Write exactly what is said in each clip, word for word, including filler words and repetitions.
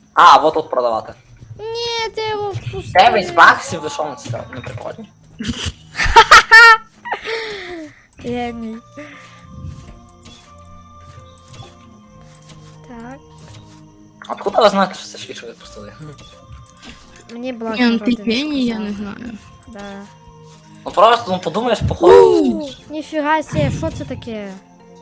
А, вот тут продавати. Ні, ти його впусти. дев'ять баксів, ви що на це? Не прикольно. Геній. Так. Откуда ви знаєте, що це швидше випустили? Мені блок Ні, ну народу ти не геній, я сказав. не знаю. Да. Ну просто, ну подумаєш, походу. Ніфіга себе, що це таке?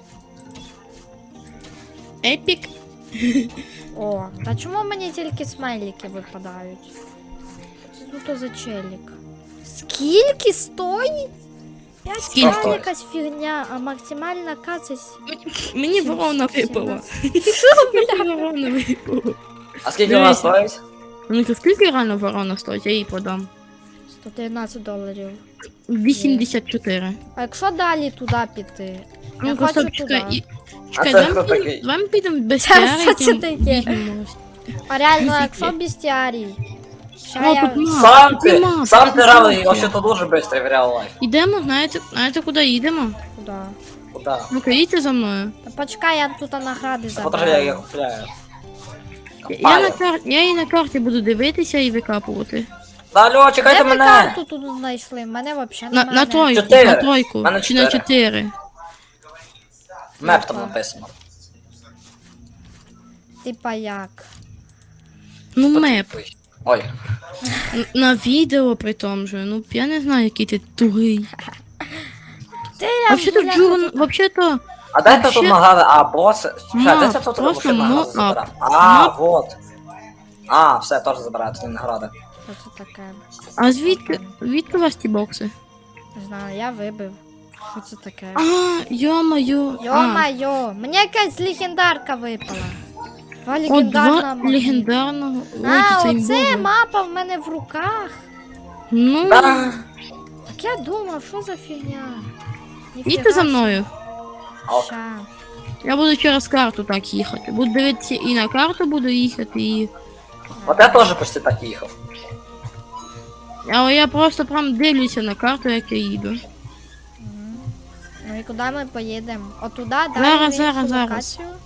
Епік. О, а чому мені тільки смайлики випадають? Це ну то за челік. Скільки стоїть? п'ять Скільки? стоїть якась фігня, а максимальна кацась. Мені Сім- ворона сім- випала. сімнадцять. Мені ворона випала. А скільки вона Дивись. стоїть? Ну то скільки реально ворона стоїть, я їй подам. сто тринадцять доларів. вісімдесят чотири. А якщо далі туди піти? Ну Я просто хочу чекай, туди. і... А Чекай, це давай хто підемо- такий? давай підемо без Це тіари, що це там таке? візьмемо. А реально, Скільки? якщо бестіарій? Ща О, я... тут мап, Сам тут ти, мап, сам тут ти равний, мап вообще є. то дуже швидко в реал лайф. Ідемо, знаєте, знаєте куди їдемо? Куди? Куда? Ну-ка, їдьте за мною. Та почекай, я тут награди Та подожди, я їх забрала. купляю. Я, я, на Копаю. кар... я її на карті буду дивитися і викапувати. Та алло, чекайте Де ви мене! карту тут знайшли? Мене взагалі На, немає. на тройку, Чотири. на тройку. Мене Чи на чотири. чотири. Меп там написано. Типа як? Ну меп. Ой. Ой. Н- На відео при тому же. Ну я не знаю, який ти тугий. Ти я Вообще-то бляха, Джурн, тут- вообще-то. А де ти Вообще- тут награди? А, боси. Чекай, Мап, де це тут просто машина награди мап. забирати? А, Мап. вот. А, все, теж забираю, тут награди. Що це таке? А звідки? Звідки у вас ті бокси? Не знаю, я вибив. Що це таке? А, йо-моє. А, Йо-майо, мені якась легендарка випала. Два О, легендарна два магніт. легендарного. Ой, А, це оце імбове. мапа в мене в руках. Ну, Да. Так я думав, що за фігня? їдьте за мною. Ок. Ща. Я буду через карту так їхати. Буду дивитися і на карту буду їхати, і. От я теж почти так їхав. Але я просто прям дивлюся на карту, як я їду. Мгм. Ну і куди ми поїдемо? Отуда, далі Зараз, в іншу зараз, зараз. локацію?